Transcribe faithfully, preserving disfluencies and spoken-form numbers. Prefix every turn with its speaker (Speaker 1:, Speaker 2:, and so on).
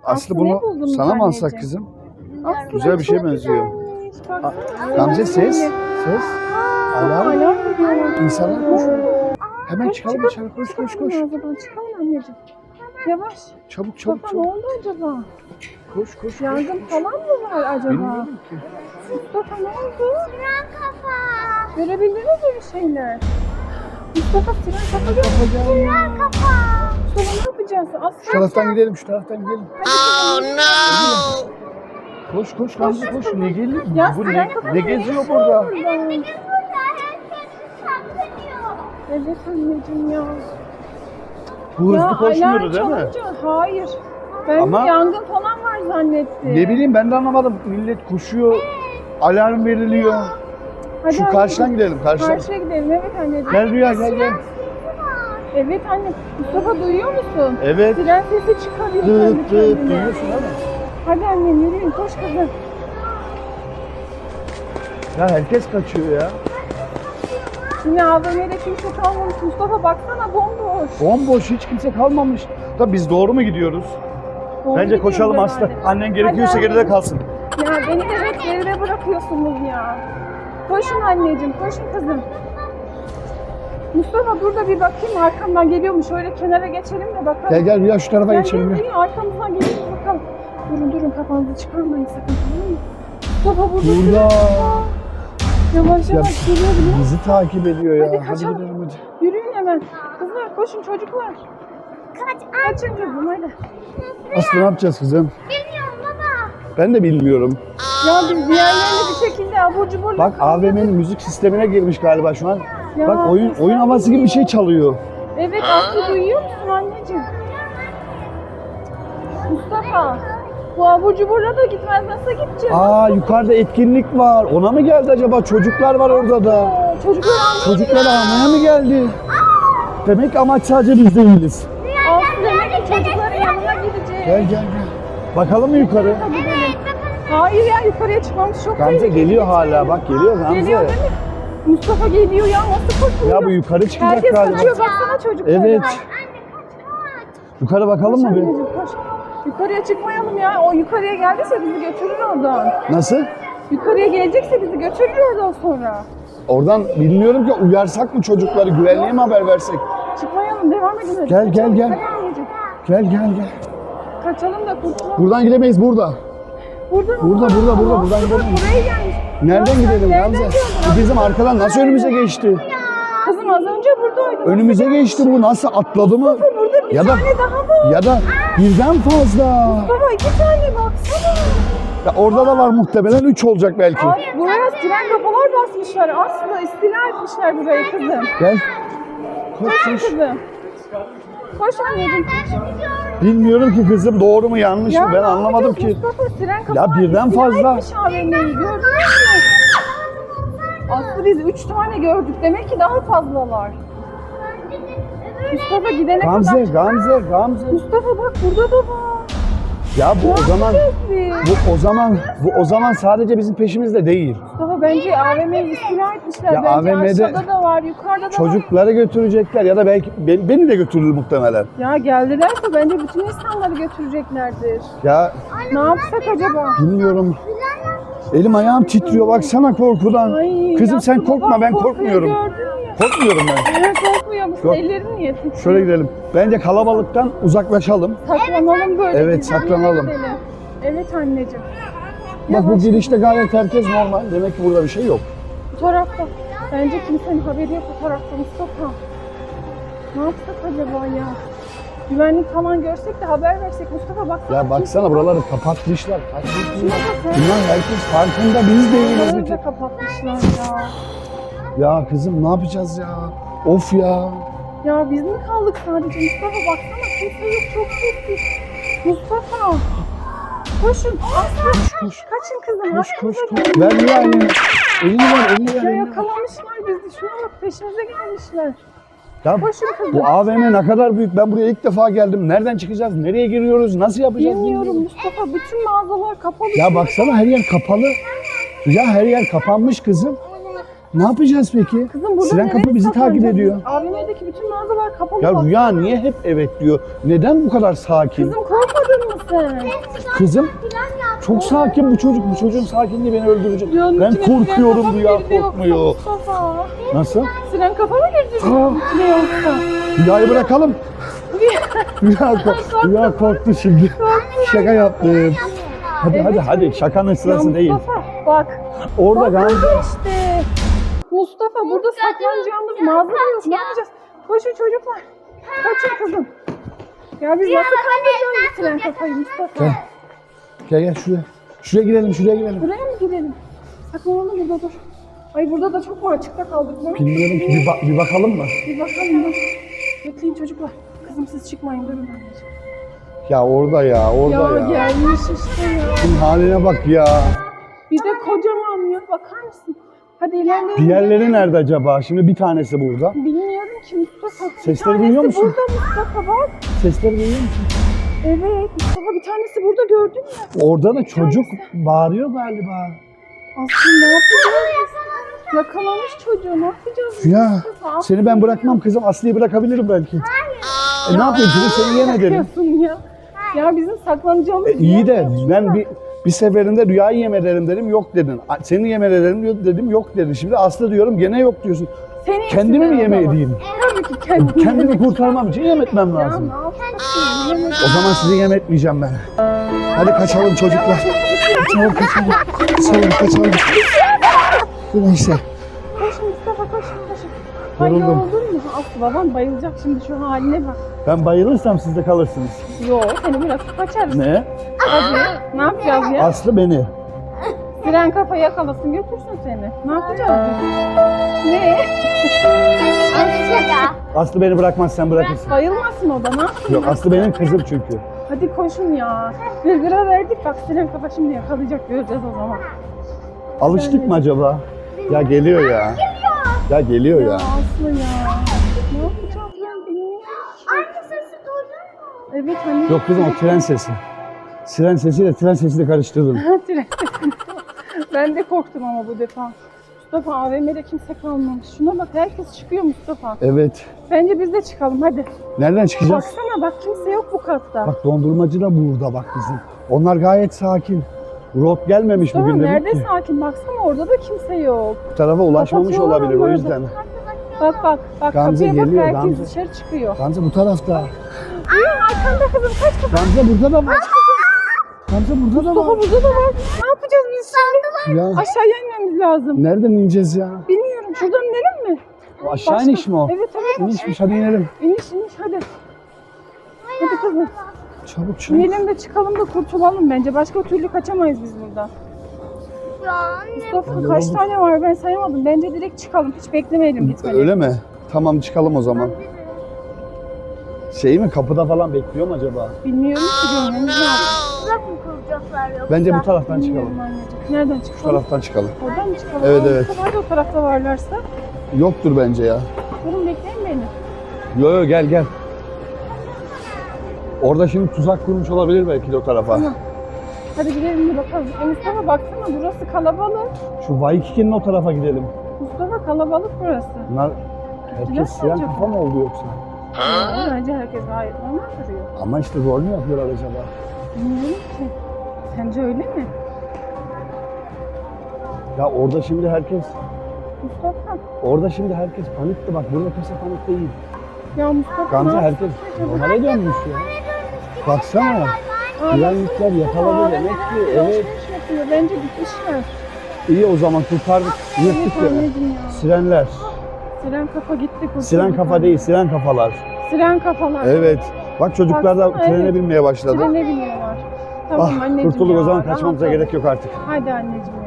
Speaker 1: Aslı
Speaker 2: ne
Speaker 1: bunu
Speaker 2: buldunuz
Speaker 1: sana mı alsak
Speaker 2: anneciğim?
Speaker 1: kızım?
Speaker 2: Aslı
Speaker 1: Güzel bir şey
Speaker 2: çok
Speaker 1: benziyor.
Speaker 2: güzelmiş, baksana.
Speaker 1: A- Gamze ses. Ses. Alarm.
Speaker 2: Alarm veriyor.
Speaker 1: İnsanlar koşuyor. Hemen
Speaker 2: Koş,
Speaker 1: çıkalım
Speaker 2: çıkalım.
Speaker 1: dışarı. Koş koş
Speaker 2: Çıkalım
Speaker 1: koş.
Speaker 2: mağazadan, çıkalım anneciğim. Yavaş.
Speaker 1: Çabuk çabuk
Speaker 2: Mustafa ne
Speaker 1: çabuk.
Speaker 2: oldu acaba?
Speaker 1: Koş koş koş.
Speaker 2: Yangın falan mı var acaba?
Speaker 1: Bilmiyorum ki.
Speaker 2: Mustafa ne oldu? Siren kafa. Görebildiniz mi bir şeyler? Mustafa siren kafa gördü. Siren kafa. Mustafa ne yapacağız? Aslı.
Speaker 1: Şu taraftan gidelim, şu taraftan gidelim.
Speaker 2: Oh no.
Speaker 1: Koş koş Gamze koş. Ne geliyor?
Speaker 2: Ya
Speaker 1: Bu ne,
Speaker 2: siren kafa
Speaker 1: ne geziyor burada?
Speaker 2: Evet anneciğim ya.
Speaker 1: Bu
Speaker 2: Ya
Speaker 1: hızlı koşmuyordu değil
Speaker 2: alarm
Speaker 1: mi?
Speaker 2: çalınca- Hayır. Ben
Speaker 1: Ama-
Speaker 2: yangın falan var zannettim.
Speaker 1: Ne bileyim ben de anlamadım. Millet koşuyor. Alarm veriliyor.
Speaker 2: Hadi
Speaker 1: Şu
Speaker 2: anne,
Speaker 1: karşıdan gidelim, karşıdan.
Speaker 2: Karşıya gidelim evet anneciğim.
Speaker 1: Gel Rüya gel gel.
Speaker 2: Evet anne. Mustafa duyuyor musun?
Speaker 1: Evet.
Speaker 2: Siren sesi çıkarıyor kendi
Speaker 1: Dıt dıt
Speaker 2: kendine.
Speaker 1: duyuyorsun değil mi?
Speaker 2: Hadi annem yürüyün koş kızım.
Speaker 1: Ya herkes kaçıyor ya.
Speaker 2: Yine A V M'de kimse kalmamış. Mustafa baksana bomboş.
Speaker 1: Bomboş hiç kimse kalmamış. Da biz doğru mu gidiyoruz?
Speaker 2: Doğru
Speaker 1: Bence
Speaker 2: gidiyoruz
Speaker 1: koşalım Aslı.
Speaker 2: herhalde.
Speaker 1: Annen gerekiyorsa
Speaker 2: Hadi
Speaker 1: geride
Speaker 2: anne.
Speaker 1: kalsın.
Speaker 2: Ya beni de hep geride bırakıyorsunuz ya. Koşun anneciğim, koşun kızım. Mustafa dur da bir bakayım arkamdan geliyor mu? Şöyle kenara geçelim de bakalım.
Speaker 1: Gel gel Rüya şu tarafa
Speaker 2: Gel,
Speaker 1: geçelim.
Speaker 2: gel,
Speaker 1: ya.
Speaker 2: gel, arkamızdan geliyor mu bakalım. Durun durun kafanızı çıkarmayın sakın tamam mı? Mustafa burada.
Speaker 1: Burada.
Speaker 2: Yavaş
Speaker 1: Ya,
Speaker 2: yavaş geliyor biliyor musun?
Speaker 1: bizi takip ediyor ya.
Speaker 2: Hadi
Speaker 1: Hadi,
Speaker 2: kaçalım.
Speaker 1: gidelim hadi.
Speaker 2: Yürüyün hemen. Kızlar koşun çocuklar. Kaç, Kaçın kızım hadi.
Speaker 1: Aslı ne yapacağız kızım?
Speaker 2: Bilmiyorum baba.
Speaker 1: Ben de bilmiyorum.
Speaker 2: Ya biz diğerlerini bir şekilde abur cuburla...
Speaker 1: Bak A V M'nin müzik sistemine girmiş galiba şu an.
Speaker 2: Ya,
Speaker 1: Bak oyun
Speaker 2: sen
Speaker 1: oyun havası gibi bir şey çalıyor.
Speaker 2: Evet Aslı duyuyor musun anneciğim? Mustafa. Bu abur cuburla da gitmez nasıl gideceğiz?
Speaker 1: Aa yukarıda etkinlik var. Ona mı geldi acaba? Çocuklar var orada da.
Speaker 2: Aa, Çocuklar almıyor.
Speaker 1: Çocukları almaya mı geldi? Demek ki amaç sadece biz değiliz.
Speaker 2: Aslı demek ki çocukların yanına gideceğiz.
Speaker 1: Gel gel gel. Bakalım mı yukarı?
Speaker 2: Hadi gidelim. Hayır ya yukarıya çıkmamız çok
Speaker 1: Gamze
Speaker 2: tehlikeli.
Speaker 1: geliyor hala. Bak geliyor Gamze.
Speaker 2: Geliyor değil mi? Mustafa geliyor ya nasıl koşuyor?
Speaker 1: Ya bu yukarı çıkacak
Speaker 2: Herkes
Speaker 1: galiba.
Speaker 2: kaçıyor baksana çocuklara.
Speaker 1: Evet. Yukarı bakalım
Speaker 2: Koş
Speaker 1: mı bir?
Speaker 2: anneciğim, koş. Yukarıya çıkmayalım ya. O yukarıya geldiyse bizi götürür oradan.
Speaker 1: Nasıl?
Speaker 2: Yukarıya gelecekse bizi götürür oradan sonra.
Speaker 1: Oradan bilmiyorum ki uyarsak mı çocukları? Güvenliğe mi haber versek?
Speaker 2: Çıkmayalım devam edin. hadi.
Speaker 1: Gel, gel,
Speaker 2: Kaçalım,
Speaker 1: gel.
Speaker 2: hadi anneciğim.
Speaker 1: Gel gel gel.
Speaker 2: Kaçalım da kurtulalım.
Speaker 1: Buradan gidemeyiz burada.
Speaker 2: Burada mı?
Speaker 1: Burada, burada, burada,
Speaker 2: Aa,
Speaker 1: buradan
Speaker 2: bak,
Speaker 1: gidelim.
Speaker 2: Buraya gelmiş.
Speaker 1: Nereden
Speaker 2: Ya sen
Speaker 1: gidelim
Speaker 2: nereden
Speaker 1: Gamze?
Speaker 2: geldin?
Speaker 1: Bu bizim arkadan nasıl önümüze geçti?
Speaker 2: Kızım az önce buradaydı. Nasıl
Speaker 1: Önümüze
Speaker 2: gelmiş?
Speaker 1: geçti bu. Nasıl atladı mı?
Speaker 2: Mustafa burada bir
Speaker 1: Ya da
Speaker 2: tane daha var.
Speaker 1: ya da birden fazla.
Speaker 2: Baba iki tane baksana.
Speaker 1: Ya orada da var muhtemelen üç olacak belki.
Speaker 2: Ay, buraya siren kafalar basmışlar. Aslında istila etmişler burayı kızım.
Speaker 1: Gel. Koş
Speaker 2: Koş
Speaker 1: koş.
Speaker 2: kızım. Koş anneciğim koş.
Speaker 1: Bilmiyorum ki kızım doğru mu yanlış mı ben
Speaker 2: ne
Speaker 1: anlamadım
Speaker 2: yapacağız
Speaker 1: ki.
Speaker 2: Mustafa siren
Speaker 1: Ya
Speaker 2: kafalar
Speaker 1: birden
Speaker 2: istila
Speaker 1: fazla.
Speaker 2: etmiş A V M'yi gördünüz mü? Aslı biz üç tane gördük. Demek ki daha fazlalar. Mustafa gidene
Speaker 1: Gamze,
Speaker 2: kadar.
Speaker 1: Gamze, Gamze.
Speaker 2: Mustafa bak burada da var.
Speaker 1: Ya bu
Speaker 2: Ne
Speaker 1: o zaman
Speaker 2: yapacağız biz?
Speaker 1: bu o zaman bu o zaman sadece bizim peşimizde değil.
Speaker 2: Mustafa bence A V M'yi istila etmişler.
Speaker 1: Ya
Speaker 2: bence
Speaker 1: A V M'de
Speaker 2: aşağıda da var, yukarıda da var.
Speaker 1: Çocukları götürecekler ya da belki beni, beni de götürür muhtemelen.
Speaker 2: Ya geldilerse bence bütün insanları götüreceklerdir.
Speaker 1: Ya
Speaker 2: Ne yapsak acaba?
Speaker 1: bilmiyorum. Elim ayağım titriyor baksana korkudan.
Speaker 2: Ay,
Speaker 1: Kızım sen
Speaker 2: yapma,
Speaker 1: korkma
Speaker 2: bak,
Speaker 1: ben
Speaker 2: korkuyor,
Speaker 1: korkmuyorum.
Speaker 2: gördün mü?
Speaker 1: Korkmuyorum ben.
Speaker 2: Evet korkmuyor musun?
Speaker 1: Yok.
Speaker 2: Ellerin niye titriyor?
Speaker 1: Şöyle gidelim. Bence kalabalıktan uzaklaşalım.
Speaker 2: Saklanalım böyle.
Speaker 1: Evet,
Speaker 2: biz, yanına
Speaker 1: saklanalım.
Speaker 2: gidelim. Evet anneciğim.
Speaker 1: Bak bu
Speaker 2: Yavaş.
Speaker 1: girişte gayet herkes normal. Demek ki burada bir şey yok.
Speaker 2: Bu tarafta. Bence kimsenin haberi yok bu tarafta Mustafa. Ne yapsak acaba ya? Güvenlik falan görsek de haber versek Mustafa baksana.
Speaker 1: Ya baksana buraları kapatmışlar.
Speaker 2: Şuna
Speaker 1: Kaçmışlar.
Speaker 2: bak ya.
Speaker 1: Bunlar herkes farkında biz değiliz.
Speaker 2: Buraları
Speaker 1: Bir
Speaker 2: da
Speaker 1: tek.
Speaker 2: kapatmışlar ya.
Speaker 1: Ya kızım ne yapacağız ya? Of ya.
Speaker 2: Ya biz mi kaldık sadece Mustafa baksana kimse yok çok sessiz. Mustafa. Koşun. Aslı.
Speaker 1: Koş koş.
Speaker 2: Kaçın kızım.
Speaker 1: Koş koş
Speaker 2: arkamıza
Speaker 1: koş.
Speaker 2: gelin.
Speaker 1: Ver Rüya elini. Elini ver elini ver.
Speaker 2: Ya
Speaker 1: Elini ver.
Speaker 2: yakalamışlar bizi. Şuna bak peşimize gelmişler.
Speaker 1: Ya
Speaker 2: Koşun kızım.
Speaker 1: bu A V M ne kadar büyük. Ben buraya ilk defa geldim. Nereden çıkacağız? Nereye giriyoruz? Nasıl yapacağız?
Speaker 2: Bilmiyorum Mustafa. Bütün mağazalar kapalı.
Speaker 1: Ya baksana her yer kapalı. Ya her yer kapanmış kızım. Ne yapacağız peki?
Speaker 2: Kızım burada
Speaker 1: Siren
Speaker 2: nereye
Speaker 1: kapı bizi takip
Speaker 2: saklanacağız?
Speaker 1: ediyor.
Speaker 2: A V M'deki bütün mağazalar kapalı.
Speaker 1: Ya
Speaker 2: bak.
Speaker 1: Rüya niye hep evet diyor? Neden bu kadar sakin?
Speaker 2: Kızım korkmadın mı sen?
Speaker 1: Kızım çok sakin bu çocuk. Bu çocuğun sakinliği beni öldürecek.
Speaker 2: Rüyanın
Speaker 1: Ben
Speaker 2: içine siren kafa
Speaker 1: korkuyorum,
Speaker 2: mı
Speaker 1: Rüya
Speaker 2: girdi yoksa
Speaker 1: korkmuyor.
Speaker 2: Mustafa?
Speaker 1: Nasıl?
Speaker 2: Siren kafa mı girdi?
Speaker 1: Aa.
Speaker 2: Ne yoksa?
Speaker 1: Rüyayı bırakalım. Rüya, kork Rüya korktu şimdi. Şaka yaptım. Hadi hadi hadi şakanın sırası
Speaker 2: Ya
Speaker 1: değil.
Speaker 2: Mustafa bak.
Speaker 1: Orada
Speaker 2: Bak
Speaker 1: Gamze.
Speaker 2: burada işte. Mustafa burada saklanacağımız mağaza yok. Ne yapacağız? Koşun çocuklar. Kaçın kızım. Ya biz nasıl kandıracağız bu siren kafayı Mustafa?
Speaker 1: Gel. Gel gel şuraya. Şuraya girelim şuraya girelim.
Speaker 2: Buraya mı gidelim? Saklanalım burada dur. Ay burada da çok mu açıkta kaldık mı?
Speaker 1: Bilmiyorum ki bir, bak bir bakalım mı?
Speaker 2: Bir bakalım dur. Bekleyin çocuklar. Kızım siz çıkmayın durun anneciğim.
Speaker 1: Ya orada ya orada
Speaker 2: Ya,
Speaker 1: ya.
Speaker 2: gelmiş işte ya.
Speaker 1: Şunun haline bak ya.
Speaker 2: Bir de kocaman ya bakar mısın? Hadi ilerleyelim.
Speaker 1: Diğerleri nerede acaba? Şimdi bir tanesi burada.
Speaker 2: Bilmiyorum ki Mustafa. Bir
Speaker 1: Sesleri
Speaker 2: tanesi
Speaker 1: duyuyor musun?
Speaker 2: burada Mustafa bak.
Speaker 1: Sesleri duyuyor musun?
Speaker 2: Evet Mustafa bir tanesi burada gördün mü?
Speaker 1: Orada da çocuk bağırıyor galiba.
Speaker 2: Aslında ne yapacağız? Yakalamış çocuğu ne yapacağız?
Speaker 1: Ya
Speaker 2: Mustafa?
Speaker 1: seni ben bırakmam kızım. Aslı'yı bırakabilirim belki. E ne yapayım kızım seni yem ederim.
Speaker 2: yapıyorsun ya? Ya bizim saklanacağımız
Speaker 1: E, iyi de
Speaker 2: yer yok.
Speaker 1: ben bir bir seferinde Rüya'yı yem ederim dedim yok dedin. A- Seni yem ederim dedim yok dedin. Şimdi Aslı diyorum gene yok diyorsun.
Speaker 2: Seni
Speaker 1: Kendimi mi
Speaker 2: yesinler
Speaker 1: yem
Speaker 2: o zaman.
Speaker 1: edeyim?
Speaker 2: Tabii ki kendimi.
Speaker 1: Kendimi kurtarmam için yem etmem
Speaker 2: Ya
Speaker 1: lazım.
Speaker 2: ne yapacaksın? Yemek.
Speaker 1: O zaman sizi yem etmeyeceğim ben. Hadi kaçalım çocuklar. Kaçalım kaçalım. Kaçalım kaçalım. Neyse.
Speaker 2: Koş Mustafa koş koş. Ay
Speaker 1: Yoruldum.
Speaker 2: yoruldun mu? Aslı babam bayılacak şimdi şu haline bak.
Speaker 1: Ben bayılırsam siz de kalırsınız.
Speaker 2: Yo seni bırakıp kaçarız.
Speaker 1: Ne?
Speaker 2: Hadi ne yapacağız ya?
Speaker 1: Aslı beni.
Speaker 2: Siren kafa yakalasın götürsün seni. Ne yapacağız biz? Ne?
Speaker 1: Aslı beni bırakmaz sen bırakırsın.
Speaker 2: Bayılmasın o da ne yapsın?
Speaker 1: Yok Aslı benim kızım çünkü.
Speaker 2: Hadi koşun ya. Bir lira verdik bak siren kafa şimdi yakalayacak göreceğiz o zaman.
Speaker 1: Alıştık mı acaba? Ya geliyor ya. Ya geliyor
Speaker 2: Ya
Speaker 1: ya.
Speaker 2: Aslı ya. Ne yapacağız ben bilmiyorum.
Speaker 3: Anne sesi duydun mu?
Speaker 2: Evet hani.
Speaker 1: Yok kızım o tren sesi. Siren sesiyle tren sesini karıştırdım.
Speaker 2: Tren sesi. Ben de korktum ama bu defa. Mustafa A V M'de kimse kalmamış. Şuna bak herkes çıkıyor Mustafa.
Speaker 1: Evet.
Speaker 2: Bence biz de çıkalım hadi.
Speaker 1: Nereden çıkacağız?
Speaker 2: Baksana bak kimse yok bu katta.
Speaker 1: Bak dondurmacı da burada bak bizim. Onlar gayet sakin. Rot gelmemiş
Speaker 2: Mustafa
Speaker 1: bugün demek
Speaker 2: nerede
Speaker 1: ki.
Speaker 2: sakin baksana orada da kimse yok.
Speaker 1: Bu tarafa ulaşmamış
Speaker 2: Kapatıyorlar
Speaker 1: olabilir o
Speaker 2: onları da.
Speaker 1: yüzden.
Speaker 2: Bak bak bak
Speaker 1: Gamze
Speaker 2: kapıya bak
Speaker 1: geliyor,
Speaker 2: herkes
Speaker 1: Gamze.
Speaker 2: dışarı çıkıyor.
Speaker 1: Gamze bu tarafta.
Speaker 2: Aa, arkanda kızım kaç kızım.
Speaker 1: Gamze burada da var. Gamze burada da
Speaker 2: Mustafa
Speaker 1: var.
Speaker 2: burada da var. Ne yapacağız biz şimdi?
Speaker 1: Ya
Speaker 2: Aşağıya inmemiz lazım.
Speaker 1: nereden ineceğiz ya?
Speaker 2: Bilmiyorum şuradan inelim mi?
Speaker 1: O aşağı
Speaker 2: Başka-
Speaker 1: iniş mi o?
Speaker 2: Evet evet.
Speaker 1: İnişmiş hadi inelim.
Speaker 2: İniş iniş hadi. Hadi kızım.
Speaker 1: Çabuk çabuk.
Speaker 2: İnelim de çıkalım da kurtulalım bence. Başka türlü kaçamayız biz buradan.
Speaker 3: Ya anne.
Speaker 2: Mustafa
Speaker 1: Hadi
Speaker 2: kaç
Speaker 1: oğlum.
Speaker 2: tane var ben sayamadım. Bence direkt çıkalım. Hiç beklemeyelim gitmeni.
Speaker 1: Öyle mi? Tamam çıkalım o zaman. Şey mi kapıda falan bekliyor mu acaba?
Speaker 2: Bilmiyorum ki görmemiz lazım.
Speaker 3: Uzak mı kuracaklar yoksa?
Speaker 1: Bence bu taraftan çıkalım.
Speaker 2: Bilmiyorum anneciğim. Nereden
Speaker 1: Şu
Speaker 2: çıkalım?
Speaker 1: taraftan çıkalım.
Speaker 2: Oradan mı çıkalım?
Speaker 1: Evet,
Speaker 2: Aa,
Speaker 1: evet.
Speaker 2: Mustafa hadi o tarafta varlarsa.
Speaker 1: Yoktur bence ya.
Speaker 2: Durun bekleyin beni.
Speaker 1: Yo yo gel gel. Orada şimdi tuzak kurmuş olabilir belki de o tarafa.
Speaker 2: Tamam. Hadi gidelim bir bakalım. E Mustafa baksana burası kalabalık.
Speaker 1: Şu Waikiki'nin o tarafa gidelim.
Speaker 2: Mustafa kalabalık burası.
Speaker 1: Bunlar
Speaker 2: Gittiler
Speaker 1: herkes siren
Speaker 2: acaba?
Speaker 1: kafa mı oldu yoksa?
Speaker 2: Ya, bence herkes gayet normal duruyor.
Speaker 1: Ama işte rol mü yapıyorlar acaba?
Speaker 2: Bilmiyorum ki. Sence öyle mi?
Speaker 1: Ya orada şimdi herkes,
Speaker 2: Mustafa.
Speaker 1: orada şimdi herkes panikti bak. Burada kimse panik değil.
Speaker 2: Ya Mustafa
Speaker 1: Gamze
Speaker 2: ne
Speaker 1: herkes
Speaker 2: yapıyorsun acaba?
Speaker 1: normale dönmüş ya. Baksana.
Speaker 2: Aa,
Speaker 1: Güvenlikler
Speaker 2: baksana,
Speaker 1: yakaladı
Speaker 2: Mustafa,
Speaker 1: demek ki.
Speaker 2: AVM'ler
Speaker 1: Evet.
Speaker 2: alışveriş yapıyor. Bence bitmişler.
Speaker 1: İyi o zaman kurtardık.
Speaker 2: Evet
Speaker 1: Yırttık ya.
Speaker 2: anneciğim ya.
Speaker 1: Sirenler.
Speaker 2: Siren kafa gitti. kurtulduk
Speaker 1: Siren kafa
Speaker 2: anne.
Speaker 1: değil, siren kafalar.
Speaker 2: Siren kafalar.
Speaker 1: Evet. Bak çocuklar da
Speaker 2: Baksana,
Speaker 1: trene
Speaker 2: evet.
Speaker 1: binmeye başladı.
Speaker 2: Trene biniyorlar. Tamam
Speaker 1: Ah,
Speaker 2: anneciğim
Speaker 1: kurtulduk
Speaker 2: ya,
Speaker 1: o zaman kaçmamıza
Speaker 2: rahat ol.
Speaker 1: gerek yok artık.
Speaker 2: Hadi anneciğim ya.